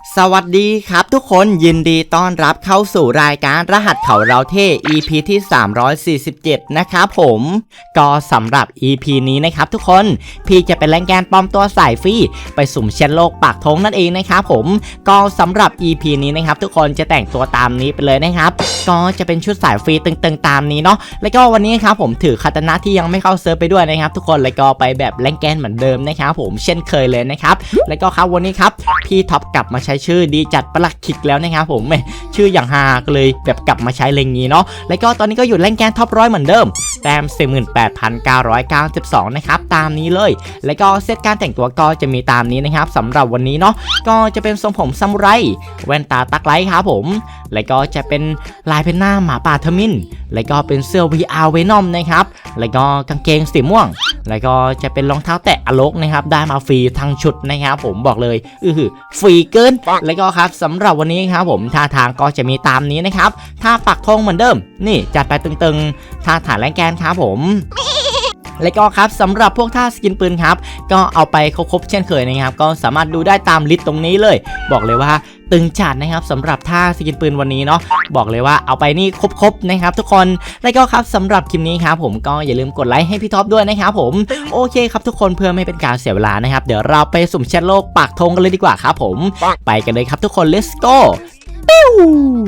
สวัสดีครับทุกคนยินดีต้อนรับเข้าสู่รายการรหัสเขาเราเท่ EP ที่347นะครับผมก็สำหรับ EP นี้นะครับทุกคนพี่จะเป็นแรงแกนปลอมตัวสายฟรีไปสุ่มเชนโลกปากธงนั่นเองนะครับผมก็สำหรับ EP นี้นะครับทุกคนจะแต่งตัวตามนี้ไปเลยนะครับก็จะเป็นชุดสายฟรีตึงๆตามนี้เนาะแล้วก็วันนี้ครับผมถือคาตานะที่ยังไม่เข้าเซิร์ฟไปด้วยนะครับทุกคนแล้วก็ไปแบบแรงแกนเหมือนเดิมนะครับผมเช่นเคยเลยนะครับแล้วก็ครับวันนี้ครับพี่ท็อปกลับมาใช้ชื่อดีจัดประหลักขิกแล้วนะครับผมชื่ออย่างฮาเลยแบบกลับมาใช้เลงนี้เนาะแล้วก็ตอนนี้ก็อยู่แรงแกนท็อป100เหมือนเดิมแต้ม 48,992 นะครับตามนี้เลยแล้วก็เซตการแต่งตัวก็จะมีตามนี้นะครับสำหรับวันนี้เนาะก็จะเป็นทรงผมซามูไรแว่นตาตักไลท์ครับผมแล้วก็จะเป็นลายเป็นหน้าหมาป่าทมินแล้วก็เป็นเสื้อ VR Venom นะครับแล้วก็กางเกงสีม่วงแล้วก็จะเป็นรองเท้าแตะอโลกนะครับได้มาฟรีทั้งชุดนะครับผมบอกเลยฟรีเกินแล้วก็ครับสำหรับวันนี้ครับผมท่าทางก็จะมีตามนี้นะครับท่าปักธงเหมือนเดิมนี่จัดไปตึงๆท่าฐานแรงแกนครับผมแล้วก็ครับสำหรับพวกท่าสกินปืนครับก็เอาไปครบเช่นเคยนะครับก็สามารถดูได้ตามลิสต์ตรงนี้เลยบอกเลยว่าตึงจัดนะครับสำหรับท่าสกินปืนวันนี้เนาะบอกเลยว่าเอาไปนี่ครบนะครับทุกคนแล้วก็ครับสำหรับคลิปนี้ครับผมก็อย่าลืมกดไลค์ให้พี่ท็อปด้วยนะครับผมโอเคครับทุกคนเพื่อไม่เป็นการเสียเวลานะครับเดี๋ยวเราไปสุ่มแชทโลกปากธงกันเลยดีกว่าครับผมไปกันเลยครับทุกคน let's go ปิ้ว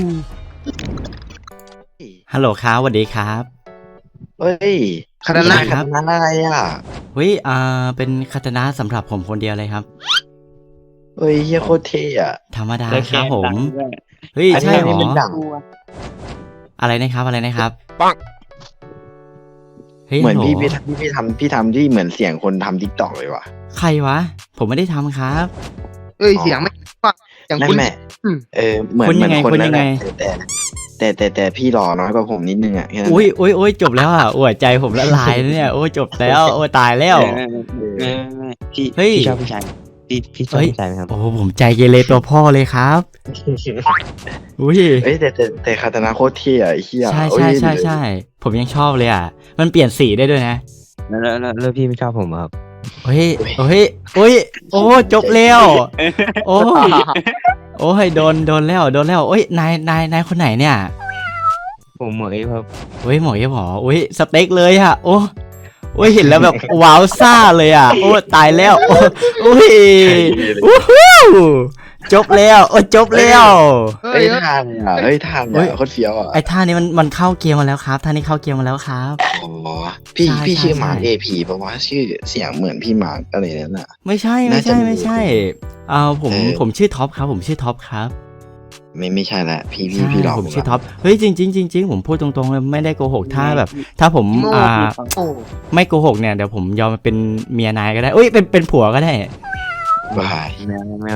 ฮัลโหลครับสวัสดีครับเฮ้ยคาตานะครับอะไรอ่ะเฮ้ยเป็นคาตานะสำหรับผมคนเดียวเลยครับเฮ้ยเฮียโคตรเท่อะธรรมดาครับผมเฮ้ยใช่หรออะไรนะครับเหมือนพี่ทำที่เหมือนเสียงคนทำ TikTok เลยว่ะใครวะผมไม่ได้ทำครับเสียงไม่ฟังอย่างคุณแม่เหมือนคนนั้นแต่พี่หล่อน้อยกว่าผมนิดนึงอ่ะอุ้ยจบแล้วอ่ะหัวใจผมละลายเนี่ยโอ้จบแล้วโอ้ตายแล้วพี่ชอบผู้ชายพี่ชอบผู้ชายไหมครับโอ้ผมใจเกเรตัวพ่อเลยครับอุ้ยแต่คาตานะโคตรเท่อะไอ้เหี้ยใช่ผมยังชอบเลยอ่ะมันเปลี่ยนสีได้ด้วยนะแล้วพี่ไม่ชอบผมครับโอ้ยโอ้จบแล้วโอ้ยโดนแล้วโอ้ยนายคนไหนเนี่ยผมหมอเอฟครับโอ้ยหมอเอฟหรอโอ้ยสเต็กเลยอ่ะโอ้ยเห็นแล้วแบบว้าวซ่าเลยอ่ะโอ้ตายแล้วโอ้ยจบแล้วจบแล้วท่านโคตรเฟี้ยวอ่ะไอ้ท่านี้มันเข้าเกมมาแล้วครับท่านี้เข้าเกมมาแล้วครับอ๋อพี่ชื่อมาร์คเอพีเพราะว่าชื่อเสียงเหมือนพี่มาร์คอะไรนั่นน่ะไม่ใช่ผมชื่อท็อปครับผมชื่อท็อปครับไม่ใช่ละพี่หลอกผมชื่อท็อปเฮ้ยจริงผมพูดตรงๆเลยไม่ได้โกหกถ้าผมไม่โกหกเนี่ยเดี๋ยวผมยอมเป็นเมียนายก็ได้เป็นผัวก็ได้บ้าไม่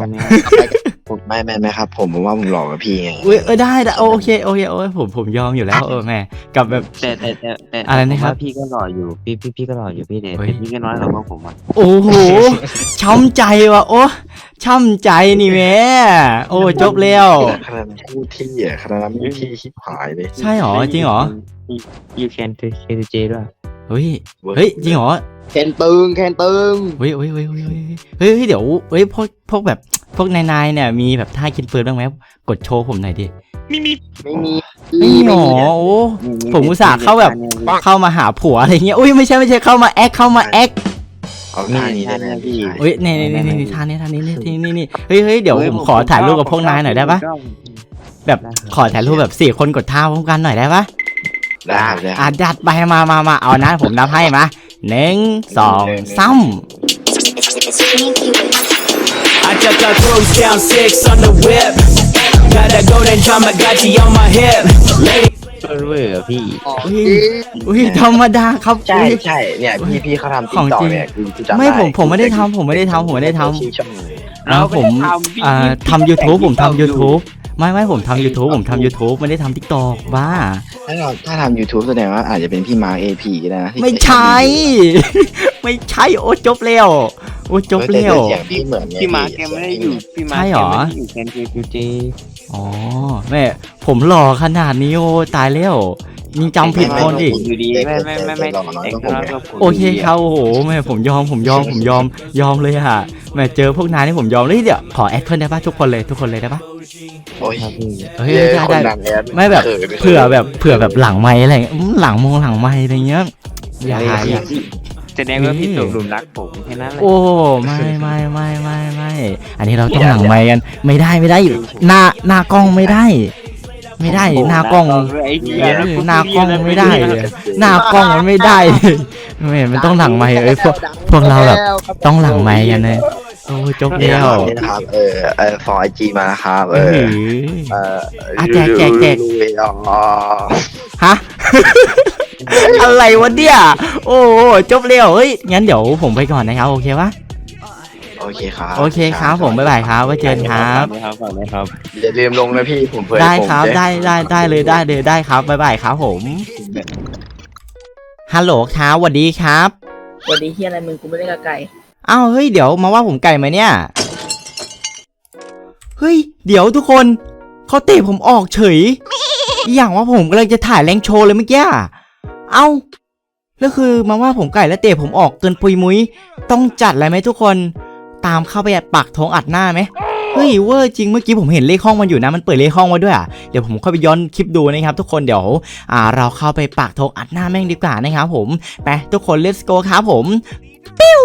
ครับผมว่าผมหลอกกับพี่ไงได้โอเคผมยอมอยู่แล้วแม่กับแบบแต่อะไรนะครับพี่ก็หล่ออยู่พี่ก็หล่ออยู่พี่เนี่ยพี่ก็น้อยกว่าผมอ่ะโอ้โหช้ำใจว่ะช้ำใจนี่แม่จบแล้วขนาดพูดที่ขนาดมีที่ชิบหายเลยใช่หรอจริงหรอ You can j ด้วยเฮ้ยจริงหรอแคนตึงเฮ้ยเดี๋ยวพวกแบบพวกนายเนี่ยมีแบบท่ากินปืนบ้างไหมกดโชว์ผมหน่อยดิไม่มีหรอผมอุตส่าห์เข้ามาหาผัวอะไรเงี้ยไม่ใช่เข้ามาแอคเอาท่านี้ได้ไหมพี่นี่ท่านี้นี่เฮ้ยเดี๋ยวผมขอถ่ายรูปกับพวกนายหน่อยได้ปะแบบขอถ่ายรูปแบบ4คนกดท่าพร้อมกันหน่อยได้ปะได้จัดไปมาเอานะผมนับให้มา1 2 3 I just got throws down 6 on the whip Got that golden Tamagotchi on my hip เวอร์พี่ธรรมดาครับใช่เนี่ยพี่เขาทำTikTokเนี่ยไม่ผมไม่ได้ทำแล้วผมทำ YouTube ผมทำ YouTube ไม่ผมทำ YouTube ไม่ได้ทำ TikTok บ้าถ้าทำ YouTube แสดงว่าอาจจะเป็นพี่มาร์ค AP ก็ได้นะไม่ใช่จบแล้วพี่มาร์คแกไม่ได้อยู่พี่มาร์คแกไม่ได้อยู่แคนเจอ๋อแม่ผมหล่อขนาดนี้ตายแล้วยิงจำผิดคนอีกอยู่ดีไม่เองก็โอเคครับโอ้โหแม่ผมยอมเลยอะแม่เจอพวกนายนี่ผมยอมเลยเดี๋ยวขอแอดเพิ่มได้ปะทุกคนเลยได้ปะโอ้ยเฮ้ยได้ไม่แบบเผื่อแบบหลังไม้อะไรหลังไม้อะไรเงี้ยอย่าแสดงว่าพี่ตกหลุมรักผมแค่นั้นแหละโอ้ไม่อันนี้เราต้องหลังไม้กันไม่ได้หน้ากล้องไม่ได้หน้ากล้องหน้ากล้องไม่ได้เลยหน้ากล้องมันไม่ได้มันต้องหลังไม้พวกเราแบบต้องหลังไม้กันเลยโอ้จบนี่แล้วนะครับฟอร์IG มานะครับแจกฮะ อะไรวะเนี่ยโอ้จบแล้วเฮ้ยงั้นเดี๋ยวผมไปก่อนนะครับโอเคปะโอเคครับผมบ๊ายบายครับไว้เจอกันครับครับอย่าลืมลงนะพี่ผมเผื่อได้ครับได้เลยได้ครับบ๊ายบายครับผมฮัลโหลครับสวัสดีครับวันนี้เฮียอะไรมึงกูไม่ได้กับไก่อ้าวเฮ้ยเดี๋ยวมาว่าผมไก่ไหมเนี่ยเฮ้ยเดี๋ยวทุกคนเขาเตะผมออกเฉยอย่างว่าผมกำลังจะถ่ายแรงโชว์เลยเมื่อกี้เอ้าแล้วคือมาว่าผมไก่แล้วเตะผมออกเกินปุยมุ้ยต้องจัดอะไรไหมทุกคนตามเข้าไปปักธงอัดหน้าไหมเฮ้ยเวอร์จริงเมื่อกี้ผมเห็นเลขห้องมันอยู่นะมันเปิดเลขห้องไว้ด้วยเดี๋ยวผมค่อยไปย้อนคลิปดูนะครับทุกคนเดี๋ยวเราเข้าไปปักธงอัดหน้าแม่งดีกว่านะครับผมไปทุกคน let's go ครับผมปิ้ว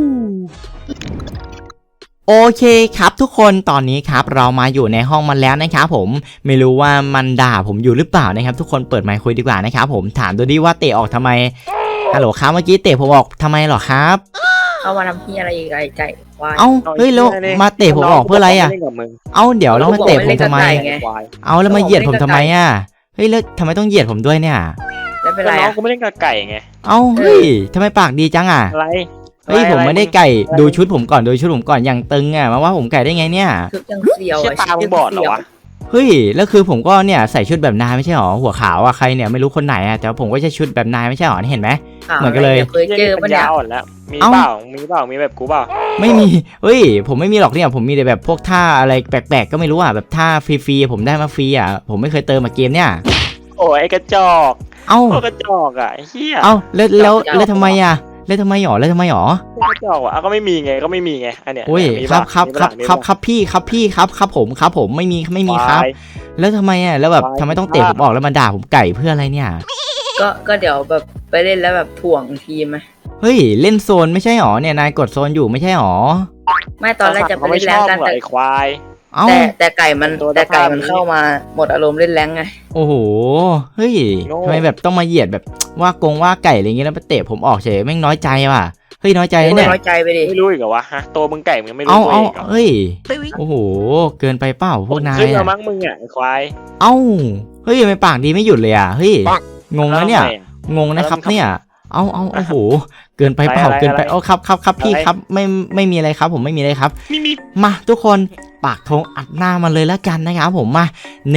โอเคครับทุกคนตอนนี้ครับเรามาอยู่ในห้องมันแล้วนะครับผมไม่รู้ว่ามันด่าผมอยู่หรือเปล่านะครับทุกคนเปิดไมค์คุยดีกว่านะครับผมถามดูดิว่าเตะออกทำไมฮัลโหลครับเมื่อกี้เตะผมออกทำไมหรอครับเข้ามาทำเฮียอะไรอีกไก่ควายเอ้าเฮ้ยแล้วมาเตะผมออกเพื่ออะไรเอ้าเดี๋ยวแล้วมาเตะผมทำไมเอาแล้วมาเหยียดผมทำไมเฮ้ยแล้วทำไมต้องเหยียดผมด้วยเนี่ยไม่เป็นไรน้องกูไม่เล่นกับไก่ไงเอ้าเฮ้ยทำไมปากดีจังอะไรเฮ้ยผมไม่ได้ไก่ดูชุดผมก่อนอย่างตึงมาว่าผมไก่ได้ไงเนี่ยชุดยังเสียวเชี่ยตามึงบอดเหรอวะเฮ้ยแล้วคือผมก็เนี่ยใส่ชุดแบบนายไม่ใช่หรอหัวขาวใครเนี่ยไม่รู้คนไหนแต่ผมก็ใช้ชุดแบบนายไม่ใช่หรอเห็นไหมเหมือนกันเลยเคยเจอปะเนี่ยอ่อนแล้วมีเปล่ามีแบบกูเปล่าไม่มีเฮ้ยผมไม่มีหรอกเนี่ยผมมีแต่แบบพวกท่าอะไรแปลกๆก็ไม่รู้แบบท่าฟรีๆผมได้มาฟรีผมไม่เคยเติมมาเกมเนี่ยโอ้ยกระจอกเอ้ากระจอกเฮียเอ้าแล้วทำไมแล้วทำไมหรอกระจอกก็ไม่มีไงอันเนี้ยโอ้ยครับพี่ครับผมไม่มีครับแล้วทำไมแล้วแบบทำไมต้องเตะผมออกแล้วมาด่าผมไก่เพื่ออะไรเนี่ยก็เดี๋ยวแบบไปเล่นแล้วแบบถ่วงทีมไหมเฮ้ยเล่นโซนไม่ใช่หรอเนี่ยนายกดโซนอยู่ไม่ใช่หรอไม่ตอนแรกจะไปเล่นแรงกันแต่ควายแต่ไก่มันเข้ามาหมดอารมณ์เล่นแรงไงโอ้โหเฮ้ยทำไมแบบต้องมาเหยียดแบบว่าไก่อะไรเงี้ยแล้วมาเตะผมออกเฉยแม่งน้อยใจว่ะเฮ้ยน้อยใจเนี่ยน้อยใจไปดิไม่รู้อีกเหรอวะฮะตัวมึงไก่มึงไม่รู้เอาเฮ้ยโอ้โหเกินไปเปล่าพวกนายขึ้นมามั้งมึงควายเอ้าเฮ้ยไม่ปากดีไม่หยุดเลยเฮ้ยงงแล้วเนี่ยงงนะครับเนี่ยเอาโอ้โหเกินไปเปล่าครับพี่ครับไม่มีอะไรครับผมไม่มีอะไรครับมาทุกคนปากธงอัดหน้ามันเลยแล้วกันนะครับผมมา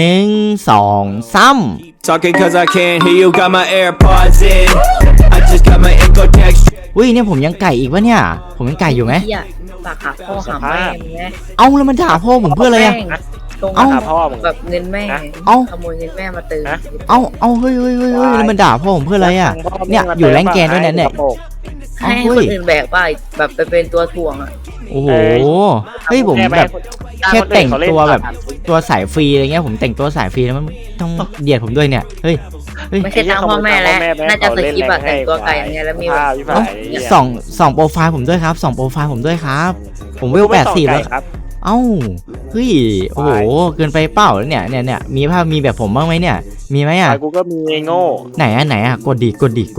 1 2 3 Talking cause I can't hear you got my AirPods in I just got my echo text อุ้ยเนี่ยผมยังไก่อีกวะเนี่ยผมยังไก่อยู่ไหมปากหาพ่อหาแม่ไงเอาแล้วมันด่าพ่อผมเพื่ออะไรเอาแบบเงินแม่ขโมยเงินแม่มาเติมเอาเฮ้ยแล้วมันด่าพ่อผมเพื่ออะไรเนี่ยอยู่แรงแกนด้วยเนี่ยให้คนอื่นแบกไปแบบไปเป็นตัวถ่วงโอ้โหเฮ้ยผมแบบแค่แต่งตัวแบบตัวสายฟรีอะไรเงี้ยผมแต่งตัวสายฟรีแล้วมันต้องเดียดผมด้วยเนี่ยเฮ้ยไม่ใช่ตามพ่อแม่แล้วน่าจะสกิปแต่งตัวไก่อย่างเงี้ยแล้วมีส่องโปรไฟล์ผมด้วยครับส่องโปรไฟล์ผมด้วยครับผมเวล80แล้วเอ้าเฮ้ยโอ้โหเกินไปเปล่าแล้วเนี่ยมีภาพมีแบบผมบ้างไหมเนี่ยมีไหมกูก็มีโง่ไหนกดดิ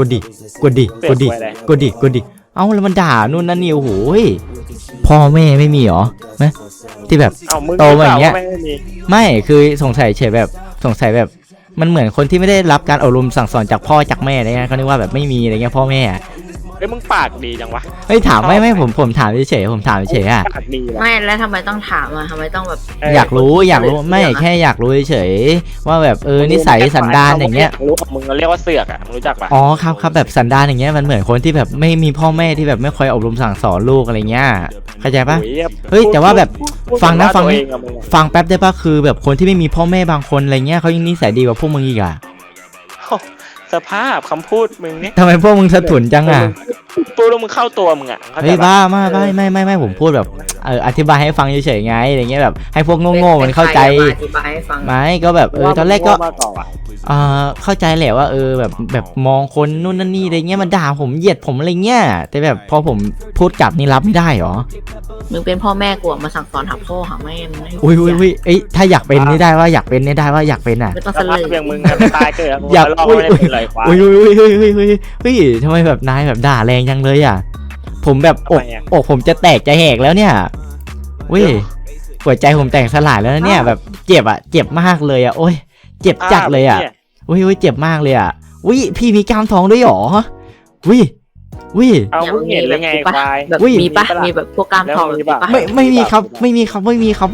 เอ้าแล้วมันด่านู่นนั่นนี่โอ้โหพ่อแม่ไม่มีหรอไหมที่แบบโตมาอย่างเงี้ยไม่คือสงสัยแบบมันเหมือนคนที่ไม่ได้รับการอบรมสั่งสอนจากพ่อจากแม่อะไรเงี้ยเขาเรียกว่าแบบไม่มีอะไรเงี้ยพ่อแม่เฮ้ยมึงปากดีจังวะเฮ้ยถามไม่ผมถามเฉยไม่แล้วทำไมต้องถามทำไมต้องแบบอยากรู้ไม่แค่อยากรู้เฉยว่าแบบนิสัยสันดานอย่างเงี้ยรู้มึงเรียกว่าเสือกมึงรู้จักปะอ๋อครับแบบสันดานอย่างเงี้ยมันเหมือนคนที่แบบไม่มีพ่อแม่ที่แบบไม่คอยอบรมสั่งสอนลูกอะไรเงี้ยเข้าใจปะเฮ้ยแต่ว่าแบบฟังแป๊บได้ปะคือแบบคนที่ไม่มีพ่อแม่บางคนอะไรเงี้ยเขายังนิสัยดีกว่าพวกมึงอีกสภาพคำพูดมึงนี่ทำไมพวกมึงสะทุนจังอ่ะพูดแล้วมึงเข้าตัวมึงอ่ะเฮ้ยบ้าไม่ผมพูดแบบอธิบายให้ฟังเฉยๆไงอะไรเงี้ยแบบให้พวกโง่ๆมันเข้าใจอธิบายให้ฟังไม่ก็แบบตอนแรกก็เข้าใจแหละว่าแบบมองคนนู่นนั่นนี่อะไรเงี้ยมันด่าผมเหยียดผมอะไรเงี้ยแต่แบบพอผมพูดกลับนี่รับไม่ได้หรอมึงเป็นพ่อแม่กูมาสั่งสอนหาพ่อหาแม่มึงอุ้ยเอ้ยถ้าอยากเป็นนี่ได้ว่าอยากเป็นนี่ได้ว่าอยากเป็นอ่ะไม่ต้องสเสลภาพยอย่างมึงตายเกิดอยากลองไม่ได้เป็นไรควายอุ้ยทำไมแบบนายแบบด่าแรงจังเลยอ่ะผมแบบอกผมจะแตกจะแหกแล้วเนี่ยอุ้ยหัวใจผมแตกสลายแล้วนะเนี่ยแบบเจ็บอ่ะเจ็บมากเลยอ่ะโอ้ยเจ็บจัดเลยอ่ะอุ้ยเจ็บมากเลยอ่ะอุ้ยพี่มีกล้ามท้องด้วยหรออุ้ยเอามึงเห็นเลยไงควายแบบมีปะมีแบบพวกกล้ามทองมีปะไม่มีครับพี่ไม่มีครับ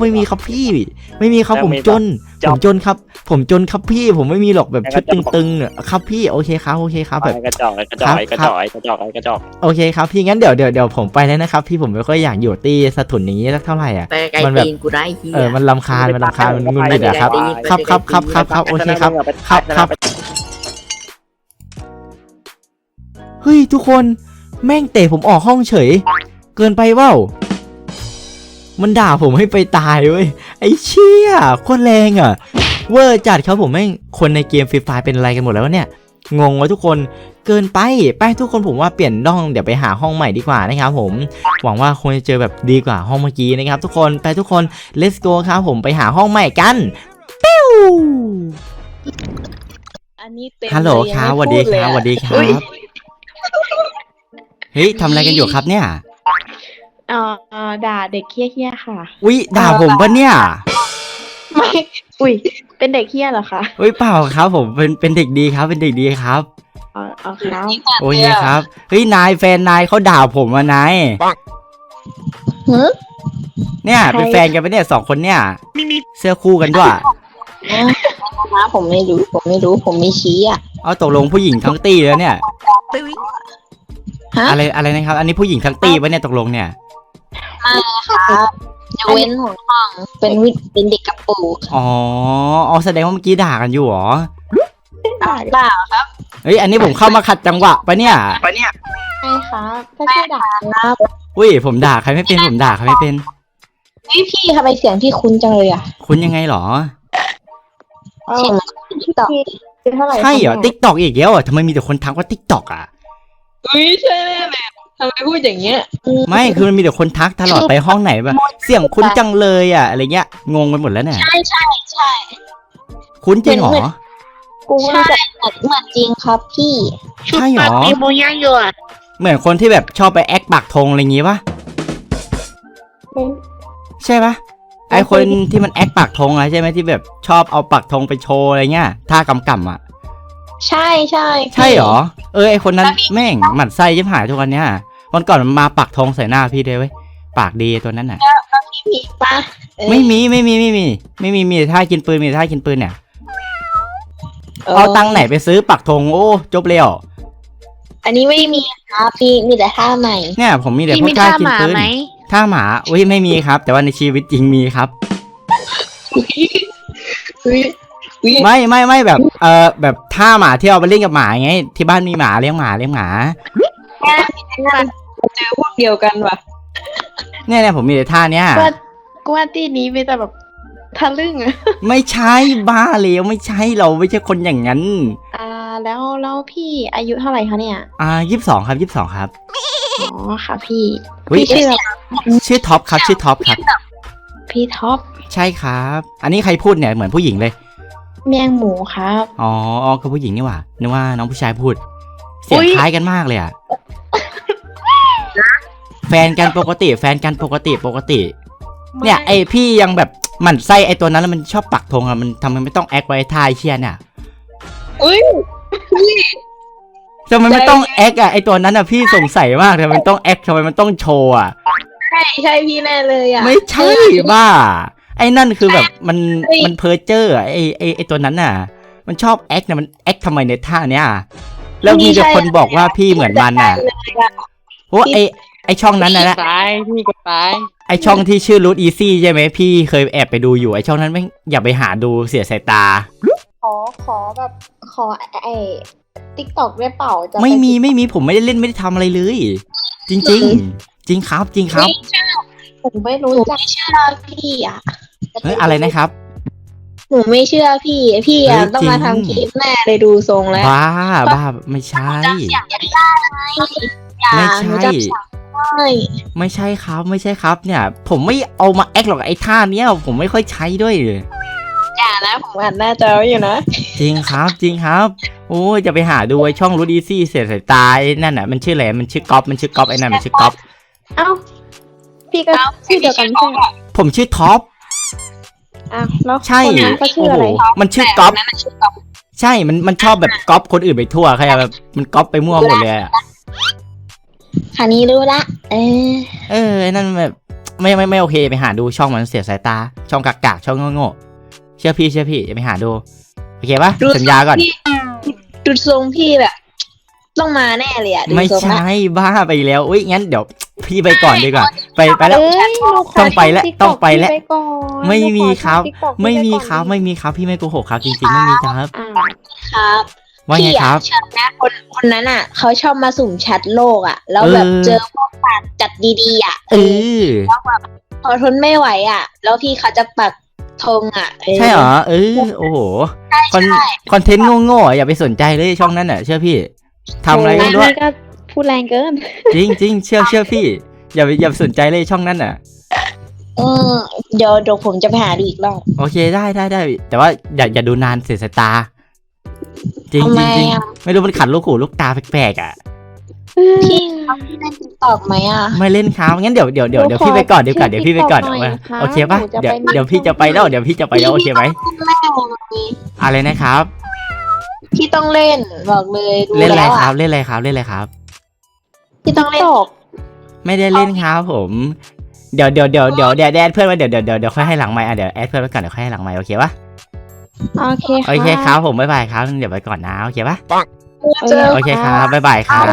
ผมจนครับพี่ผมไม่มีหรอกแบบชุดตึงๆเนี่ยครับพี่โอเคครับแบบกระจอกโอเคครับพี่งั้นเดี๋ยวผมไปแล้วนะครับพี่ผมไม่ค่อยอยากอยู่ตีสะทุนอย่างนี้สักเท่าไหร่อ่ะไปไกลตีนกูได้เฮียมันรำคาญมันงุนงิดอะครับโอเคครับเฮ้ยทุกคนแม่งเตะผมออกห้องเฉยเกินไปเปล่ามันด่าผมให้ไปตายเว้ยไอ้เชี่ยโคตรแรงอ่ะเวอร์จัดครับผมแม่งคนในเกมฟรีไฟเป็นอะไรกันหมดแล้วเนี่ยงงวะทุกคนเกินไปทุกคนผมว่าเปลี่ยนห้องเดี๋ยวไปหาห้องใหม่ดีกว่านะครับผมหวังว่าคงจะเจอแบบดีกว่าห้องเมื่อกี้นะครับทุกคนไปทุกคน let's go ครับผมไปหาห้องใหม่กันปิ้วอันนี้เต็มฮัลโหลครับสวัสดีครับเฮ้ยทำอะไรกันอยู่ครับเนี่ยด่าเด็กเหี้ยค่ะอุ๊ยด่าผมปะเนี่ยไม่อุ้ยเป็นเด็กเหี้ยเหรอคะอุ๊ยเปล่าครับผมเป็นเด็กดีครับเป็นเด็กดีครับเอาครับโอเคครับเฮ้ยนายแฟนนายเขาด่าผมอะนาย เนี่ยเป็นแฟนกันปะเนี่ย2 คนเนี่ยเสื้อคู่กันด้วยนะผมไม่รู้ผมไม่ชี้อ่ะเอาตกลงผู้หญิงทั้งตีแล้วเนี่ยอะไรนะครับอันนี้ผู้หญิงทั้งตีปะเนี่ยตกลงเนี่ยครับจะเว้นหัวห้องเป็นเด็กกระปูอ๋อแสดงว่าเมื่อกี้ด่ากันอยู่หรอเปล่าครับเฮ้ยอันนี้ผมเข้ามาขัดจังหวะปะเนี่ยใช่ครับก็แค่ด่าครับอุ้ยผมด่าใครไม่เป็นพี่ทำไมเสียงพี่คุ้นจังเลยอ่ะคุณยังไงหรอเสียงติ๊กต็อกใช่เหรอ TikTok อีกแล้วอ่ะทำไมมีแต่คนทักว่า TikTok อ่ะอุ้ยใช่แน่ทำไมพูดอย่างเงี้ยไม่คือมันมีแต่คนทักตลอดไปห้องไหนแบบเสียงคุ้นจังเลยอ่ะอะไรเงี้ยงงไปหมดแล้วเนี่ยใช่คุ้นจริงเหรอใช่เหมือนจริงครับพี่ใช่เหรอมีโมย่างอยู่อ่ะเหมือนคนที่แบบชอบไปแอคปักธงอะไรอย่างงี้ปะใช่ปะไอคนที่มันแอคปักธงอะใช่ไหมที่แบบชอบเอาปักธงไปโชว์อะไรเงี้ยท่ากำอ่ะใช่ใช่เหรอไอคนนั้นแม่งหมั่นไส้ยิ่งหายทุกวันเนี้ยวันก่อนมันมาปักธงใส่หน้าพี่ด้วยเว้ยปากดีตัวนั้นน่ะพี่มีปะไม่มีมีแต่ท่ากินปืนเนี่ยเอาตังค์ไหนไปซื้อปักธงโอ้จบเลยเหรออันนี้ไม่มีครับพี่มีแต่ท่าใหม่เนี่ยผมมีแต่พวกท่ากินปืนท่าหมาอุ้ยไม่มีครับ แต่ว่าในชีวิตจริงมีครับไม่แบบแบบท่าหมาที่เอาไปเล่นกับหมาไงที่บ้านมีหมาเลี้ยงหมาเจอพวกเดียวกันว่ะเนี่ยผมมีแต่ท่าเนี้ยกูว่าที่นี้มีแต่แบบทะลึ่งอะไม่ใช่บ้าเลยไม่ใช่เราไม่ใช่คนอย่างนั้นแล้วพี่อายุเท่าไหร่คะเนี่ย 22 ครับอ๋อค่ะพี่พี่ชื่อท็อปครับพี่ท็อป ใช่ครับอันนี้ใครพูดเนี่ยเหมือนผู้หญิงเลยเมียงหมูครับอ๋อคือผู้หญิงนี่หว่านึกว่าน้องผู้ชายพูดเสียงคล้ายกันมากเลยอ่ะแฟนกันปกติเนี่ยไอพี่ยังแบบหมั่นไส้ไอตัวนั้นแล้วมันชอบปักธงอะมันทำไมไม่ต้องแอคไว้ท่าเชียเนี่ยทำไมไม่ต้องแอคอะไอตัวนั้นอะพี่สงสัยมากทำไมมันต้องแอคทำไมมันต้องโชว์อะใช่พี่แน่เลยอะไม่ใช่บ้าไอ้นั่นคือแบบมันเพ้อเจ้อไอตัวนั้นน่ะมันชอบแอคเนี่ยมันแอคทำไมในท่าเนี้ยแล้วมีแต่คนบอกว่าพี่เหมือนมันอ่ะโอ้ไอช่องนั้นนะพี่ก็ตายไอช่องที่ชื่อรูทอีซี่ใช่ไหมพี่เคยแอบไปดูอยู่ไอช่องนั้นไม่อย่าไปหาดูเสียสายตาขอแบบขอติ๊กต็อกได้เปล่าจะปไม่มีผมไม่ได้เล่นไม่ได้ทำอะไรเลย จริงจริงครับจริงครับผมไม่รู้จักเชื่อพี่อ่ะเฮ้ยอะไรนะครับหนูไม่เชื่อพี่อ่ะเฮ้ยต้องมาจริงทำคลิปแน่เลยดูทรงแล้วบ้าไม่ใช่จำเสียงยังได้อย่าไม่หนูใช่จำเสียงได้ไม่ใช่ครับเนี่ย ผมไม่เอามาแอคหรอกไอ้ท่าเนี้ยผมไม่ค่อยใช้ด้วยอย่านะผมอ่านหน้าจอไว้อยู่นะจริงครับ โอ้ยจะไปหาดูไอ้ช่องรูดีซี่เสียสายตาไอ้นั่นน่ะมันชื่ออะไรมันชื่อก๊อฟไอ้นั่นมันชื่อก๊อฟเอ้าพี่ก็ชื่อเดียวกันใช่ไหมผมชื่อท็อปอ้าวแล้วใช่คนนั้นเขาชื่ออะไรโโหมันชื่อก๊อฟใช่มันชอบแบบก๊อปคนอื่นไปทั่วใครแบบมันก๊อปไปมั่วหมดเลยอะคันนี้รู้ละไอ้นั่นแบบไม่โอเคไปหาดูช่องมันเสียสายตา ช่องกากช่องโง่ๆเชื่อพี่อย่าไปหาดูโอเคปะสัญญาก่อนดูทรงพี่แบบ ต้องมาแน่เลยอ่ะดูไม่ทรงละใช่บ้าไปแล้วอุ้ยงั้นเดี๋ยวพี่ไปก่อนดีกว่าไปแล้ว ต้องไปแล้วไม่มีครับไม่มีครับพี่ไม่โกหกครับจริงๆไม่มีครับครับว่าไงครับพี่อะเชื่อไหมคนนั้นอ่ะเขาชอบมาสุ่มแชทโลกอ่ะ แล้วแบบเจอพวกปากจัดดีๆอ่ะเออพอทนไม่ไหวอ่ะ แล้วพี่เขาจะปักธงอ่ะใช่เหรอโอ้โหคอนเทนต์โง่ๆอย่าไปสนใจเลยช่องนั้นอ่ะเชื่อพี่ทำอะไรก็ไม่รู้ก็พูดแรงเกินจริงเชื่อพี่อย่าไปสนใจเลยช่องนั้นอ่ะเดี๋ยวผมจะไปหาดูอีกรอบโอเคได้แต่ว่าอย่าดูนานเสียสายตา จริงทำไมไม่รู้มันขัดลูกหูลูกตาแปลกๆอ่ะพี่เขาเล่นติ๊กต็อกไหมอ่ะไม่เล่นครับงั้นเดี๋ยวพี่ไปก่อนเดี๋ยวพี่ไปก่อนโอเคปะเดี๋ยวพี่จะไปแล้วโอเคไหมอะไรนะครับพี่ต้องเล่นบอกเลยดูเล่นอะไรแล้วครับเล่นอะไรครับพี่ต้องเล่นไม่ได้เล่นครับผมเดี๋ยวแอดเพื่อนไว้เดี๋ยวค่อยให้หลังไมค์เดี๋ยวแอดเพื่อนไว้ก่อนเดี๋ยวค่อยให้หลังไมค์โอเคปะโอเคครับผมบ๊ายบายครับเดี๋ยวไปก่อนนะโอเคปะเจอโอเคครับบ๊ายบายครับ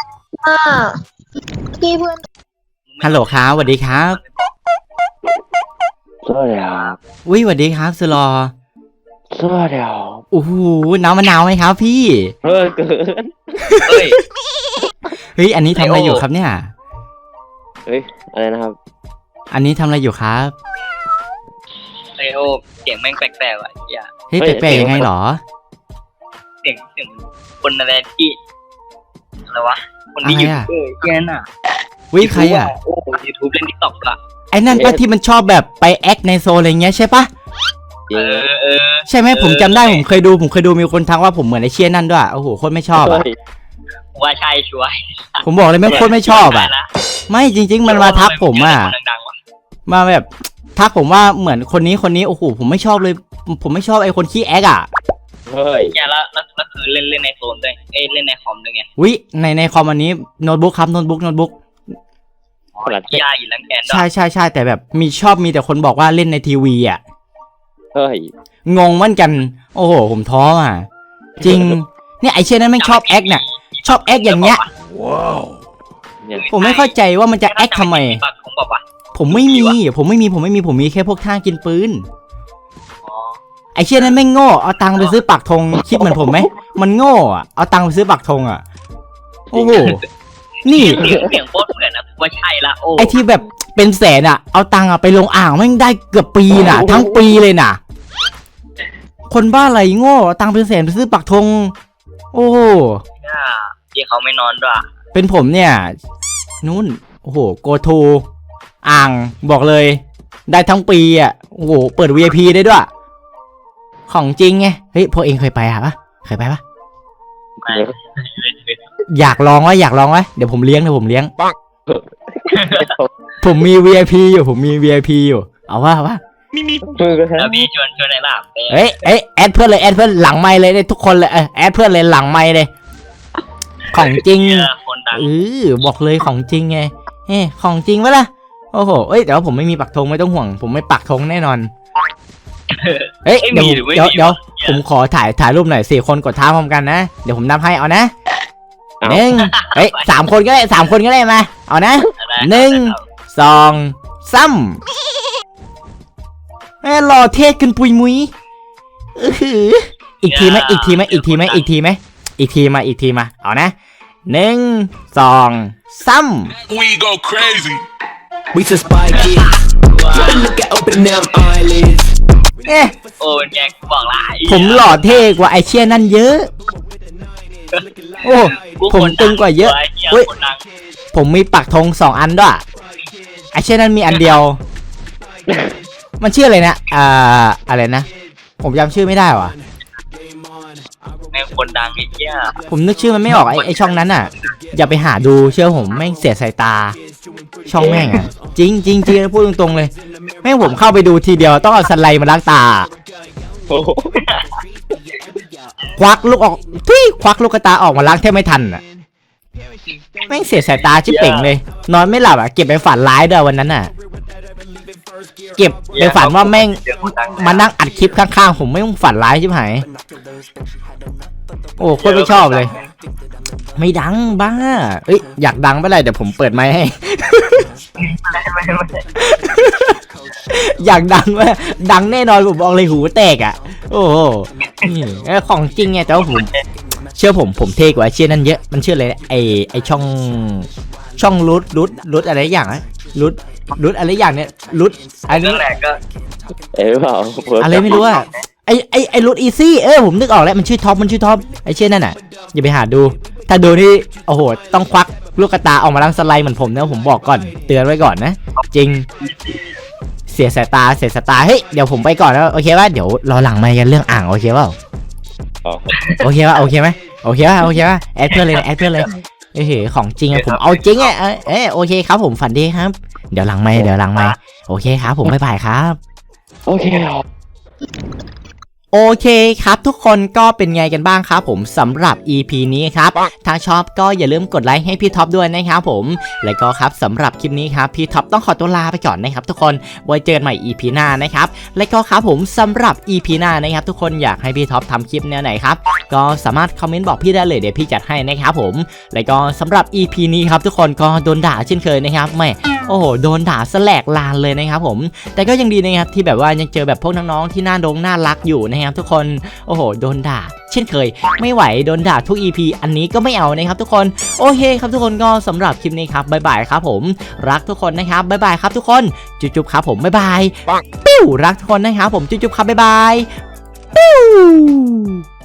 พี่เพื่อนฮัลโหลครับสวัสดีครับสวัสดีครับอุ้ยสวัสดีครับสุรอสวัสดีครับโอ้โหน้ำมะนาวไหมครับพี่เกินเฮ้ยเฮ้ยอันนี้ทำอะไรอยู่ครับเนี่ยเฮ้ยอะไรนะครับอันนี้ทำอะไรอยู่ครับไอโอเสียงแม่งแปลกๆอ่ะอย่าเฮ้ยแปลกๆยังไงหรอเสียงคนอะไรที่อะไรวะคนที่อยู่อะไรอะแค่นั้นอ่ะวิใครอ่ะโอ้ยูทูบเล่นทิกตอกอ่ะไอ้นั่นปะที่มันชอบแบบไปแอคในโซนอะไรเงี้ยใช่ปะเออใช่ไหมผมจำได้ผมเคยดูมีคนทักว่าผมเหมือนไอ้เชี่ยนั่นด้วยโอ้โหโคตรไม่ชอบอ่ะว่าใช่ช่วยผมบอกเลยไม่โคตรไม่ชอบอ่ะ ไม่จริง ๆ มันมาทักผมอ่ะดังๆว่ะมาแบบทักผมว่าเหมือนคนนี้โอ้โหผมไม่ชอบเลย ผมไม่ชอบไอ้คนขี้แอคอ่ะเฮ้ยอย่าแล้วคือเล่นในโซนด้วยเล่นในคอมด้วยไงวิในคอมอันนี้โน้ตบุ๊กครับโน้ตบุ๊กยาอยู่แล้วแกนด้วยใช่แต่แบบมีแต่คนบอกว่าเล่นในทีวีอ่ะเฮ้ยงงเหมือนกัน โอ้โหผมท้ออ่ะจริงเนี่ยไอเช่นนั้นไม่ชอบแอคเนี่ยชอบแอคอย่างเงี้ยเนี่ยผมไม่เข้าใจว่ามันจะแอคทำไมผมบอกว่าผมไม่มีแค่พวกท่ากินปืนอ๋อไอเช่นนั้นไม่โง่เอาตังค์ไปซื้อปักธงคิดเหมือนผมไหมมันโง่อ่ะเอาตังค์ไปซื้อปักธงอ่ะโอ้โหนี่เสียงโคตรเหมือนนะว่าใช่ละโอ้ไอที่แบบเป็นแสนอ่ะเอาตังค์อ่ะไปลงอ่างแม่งได้เกือบปีน่ะ ทั้งปีเลยน่ะ คนบ้าอะไรโง่เอาตังค์เป็นแสนไปซื้อปักธงโอ้โหที่เขาไม่นอนด้วยเป็นผมเนี่ยนู่นโอ้โหโกทูอ่างบอกเลย ได้ทั้งปีอ่ะโอ้โหเปิด VIP ได้ด้วย ของจริงไงเฮ้ยพวกเองเคยไปปะเคยไปปะอยากลองวะเดี๋ยวผมเลี้ยงผมมี VIP อยู่เอาว่าแล้วพี่ชวนในหลับเอ้ยแอดเพื่อนเลยหลังไมค์เลยทุกคนเลยแอดเพื่อนเลยหลังไมค์เลยของจริงคนดังบอกเลยของจริงไงของจริงปะล่ะโอ้โหแต่ว่าผมไม่มีปักธงไม่ต้องห่วงผมไม่ปักธงแน่นอนเดี๋ยวผมขอถ่ายรูปหน่อย4 คนกดท้าพร้อมกันนะเดี๋ยวผมนับให้เอานะ3 คนก็ได้มาเอานะ1 2 3หล่อเท่ขึ้นปุยมุ้ยอีกทีไหมอีกทีมาเอานะ1 2 3 We go crazy. We just spy kids. Look at open them eyelids. เอ๊ะโอ้แกกูบอกละไอ้ผมหล่อเท่กว่าไอเชี่ยนั่นเยอะโอ้ผมตึงกว่าเยอะเฮ้ยคนดังผมมีปักธง2 อันด้วยไอเช่นนั้นมีอันเดียว มันชื่ออะไรนะอะไรนะผมจำชื่อไม่ได้ว่ะแม่งคนดังไอ้เหี้ยผมนึกชื่อมันไม่ออกไอช่องนั้นอ่ะ อย่าไปหาดูเชื่อผมแม่งเสียสายตา ช่องแม่งอ่ะจริงพูดตรงๆเลยแม่งผมเข้าไปดูทีเดียวต้องเอาสไลด์มาล้างตาโอ้โหควักลูกออกควักลูกตาออกมาล้างแทบไม่ทันอ่ะแม่งเสียสายตาชิบเป่งเลย นอนไม่หลับอ่ะเก็บไปฝันร้ายด้วยวันนั้นอ่ะ เก็บไปฝันว่าแม่งมานั่งอัดคลิปข้างๆผมไม่ต้องฝันร้ายชิบหายโอ้โคตรไม่ชอบเลย ไม่ดังบ้าเอ้ยอยากดังไปเลยเดี๋ยวผมเปิดไมค์ให้ไม่อยากดังไหมดังแน่นอนผมบอกเลยหูแตกอ่ะโอ้โหนี่ของจริงไงแต่ว่าผมเชื่อผมเท่กว่าเชื่อนั่นเยอะมันชื่ออะไรไอช่องรุดอะไรอย่างนะรุดอะไรอย่างเนี้ยรุดอันเรื่นี้องแรกก็เปล่าอะไรไม่รู้อะไอรุดอีซี่ผมนึกออกแล้วมันชื่อท็อปไอเชื่อนั่นอ่ะอย่าไปหาดูถ้าดูนี่โอ้โหต้องควักลูกตาออกมาล้างสไลด์เหมือนผมนะผมบอกก่อนเตือนไว้ก่อนนะจริงเสียสายตาเฮ้ยเดี๋ยวผมไปก่อนแล้วโอเคป่ะเดี๋ยวรอหลังไมค์กันเรื่องอ่างโอเคเปล่าโอเคป่ะโอเคไหมโอเคป่ะแอดเพื่อนเลยเฮ้ยของจริงอะผมเอาจริงอะโอเคครับผมฝันดีครับเดี๋ยวหลังไมค์โอเคครับผมบ๊ายบายครับโอเคโอเคครับทุกคนก็เป็นไงกันบ้างครับผมสำหรับ EP นี้ครับถ้าชอบก็อย่าลืมกดไลค์ให้พี่ท็อปด้วยนะครับผมและก็ครับสำหรับคลิปนี้ครับพี่ท็อปต้องขอตัวลาไปก่อนนะครับทุกคนไว้เจอกันใหม่ EP หน้านะครับและก็ครับผมสำหรับ EP หน้านะครับทุกคนอยากให้พี่ท็อปทำคลิปแนวไหนครับก็สามารถคอมเมนต์บอกพี่ได้เลยเดี๋ยวพี่จัดให้นะครับผมและก็สำหรับ EP นี้ครับทุกคนก็โดนด่าเช่นเคยนะครับไม่โอ้โหโดนด่าแสลกลานเลยนะครับผมแต่ก็ยังดีนะครับที่แบบว่ายังเจอแบบพวกน้องๆที่น่ารักอยู่นะครับทุกคนโอ้โหโดนด่าเช่นเคยไม่ไหวโดนด่าทุก EP อันนี้ก็ไม่เอานะครับทุกคนโอเคครับทุกคนก็สำหรับคลิปนี้ครับบ๊ายบายครับผมรักทุกคนนะครับบ๊ายบายครับทุกคนจุ๊บๆครับผมบ๊ายบายปิ้วรักทุกคนนะครับผมจุ๊บๆครับบ๊ายบายปิ้ว